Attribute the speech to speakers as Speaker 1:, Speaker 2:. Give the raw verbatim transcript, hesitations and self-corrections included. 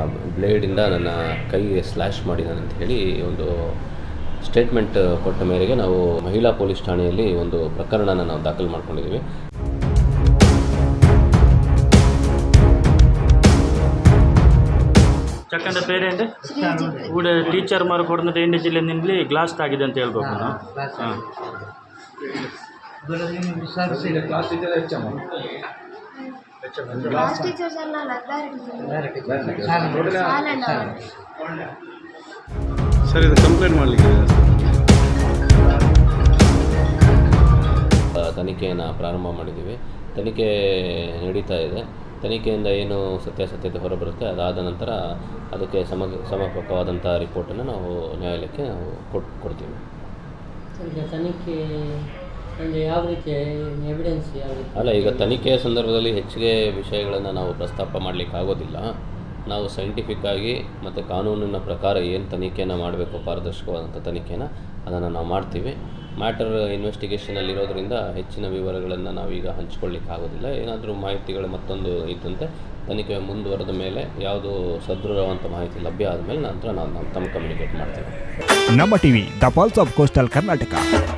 Speaker 1: ಬ್ಲೇಡಿಂದ ನನ್ನ ಕೈಗೆ ಸ್ಲ್ಯಾಶ್ ಮಾಡಿದ್ದಾನೆ ಅಂತ ಹೇಳಿ ಒಂದು ಸ್ಟೇಟ್ಮೆಂಟ್ ಕೊಟ್ಟ ಮೇರೆಗೆ ನಾವು ಮಹಿಳಾ ಪೊಲೀಸ್ ಠಾಣೆಯಲ್ಲಿ ಒಂದು ಪ್ರಕರಣನ ನಾವು ದಾಖಲು ಮಾಡ್ಕೊಂಡಿದ್ದೀವಿ.
Speaker 2: ಚಕ್ಕಂದ ಪೇರೆ ಅಂದರೆ ಕೂಡ ಟೀಚರ್ ಮಾರು ಕೊಡೋದು ಎಂಟು ಜಿಲ್ಲೆಯಲ್ಲಿ ಗ್ಲಾಸ್ ತಾಗಿದೆ ಅಂತ ಹೇಳ್ಬೇಕು ನಾನು. ಹಾಂ
Speaker 3: ಸರ್, ಇದು ಕಂಪ್ಲೇಂಟ್ ಮಾಡಲಿಕ್ಕೆ
Speaker 1: ತನಿಖೆಯನ್ನು ಪ್ರಾರಂಭ ಮಾಡಿದ್ದೀವಿ. ತನಿಖೆ ನಡೀತಾ ಇದೆ. ತನಿಖೆಯಿಂದ ಏನು ಸತ್ಯಾಸತ್ಯತೆ ಹೊರಬರುತ್ತೆ ಅದಾದ ನಂತರ ಅದಕ್ಕೆ ಸಮ ಸಮರ್ಪಕವಾದಂಥ ರಿಪೋರ್ಟನ್ನು ನಾವು ನ್ಯಾಯಾಲಯಕ್ಕೆ ನಾವು ಕೊಟ್ಟು ಕೊಡ್ತೀವಿ.
Speaker 4: ಈಗ ತನಿಖೆ ಅಂದರೆ ಯಾವ ರೀತಿಯ ಎವಿಡೆನ್ಸ್ ಯಾವ ರೀತಿ?
Speaker 1: ಅಲ್ಲ, ಈಗ ತನಿಖೆಯ ಸಂದರ್ಭದಲ್ಲಿ ಹೆಚ್ಚಿಗೆ ವಿಷಯಗಳನ್ನು ನಾವು ಪ್ರಸ್ತಾಪ ಮಾಡಲಿಕ್ಕೆ ಆಗೋದಿಲ್ಲ. ನಾವು ಸೈಂಟಿಫಿಕ್ಕಾಗಿ ಮತ್ತು ಕಾನೂನಿನ ಪ್ರಕಾರ ಏನು ತನಿಖೆಯನ್ನು ಮಾಡಬೇಕು, ಪಾರದರ್ಶಕವಾದಂಥ ತನಿಖೆನ ಅದನ್ನು ನಾವು ಮಾಡ್ತೀವಿ. ಮ್ಯಾಟರ್ ಇನ್ವೆಸ್ಟಿಗೇಷನಲ್ಲಿರೋದ್ರಿಂದ ಹೆಚ್ಚಿನ ವಿವರಗಳನ್ನು ನಾವೀಗ ಹಂಚ್ಕೊಳ್ಳಿಕ್ಕೆ ಆಗೋದಿಲ್ಲ. ಏನಾದರೂ ಮಾಹಿತಿಗಳು ಮತ್ತೊಂದು ಇದ್ದಂತೆ ತನಿಖೆ ಮುಂದುವರೆದ ಮೇಲೆ ಯಾವುದು ಸದೃಢವಂತ ಮಾಹಿತಿ ಲಭ್ಯ ಆದಮೇಲೆ ನಂತರ ನಾವು ನಾವು ತಮ್ಮ ಕಮ್ಯುನಿಕೇಟ್ ಮಾಡ್ತೀವಿ.
Speaker 5: ನಮ್ಮ TV the pulse of coastal Karnataka.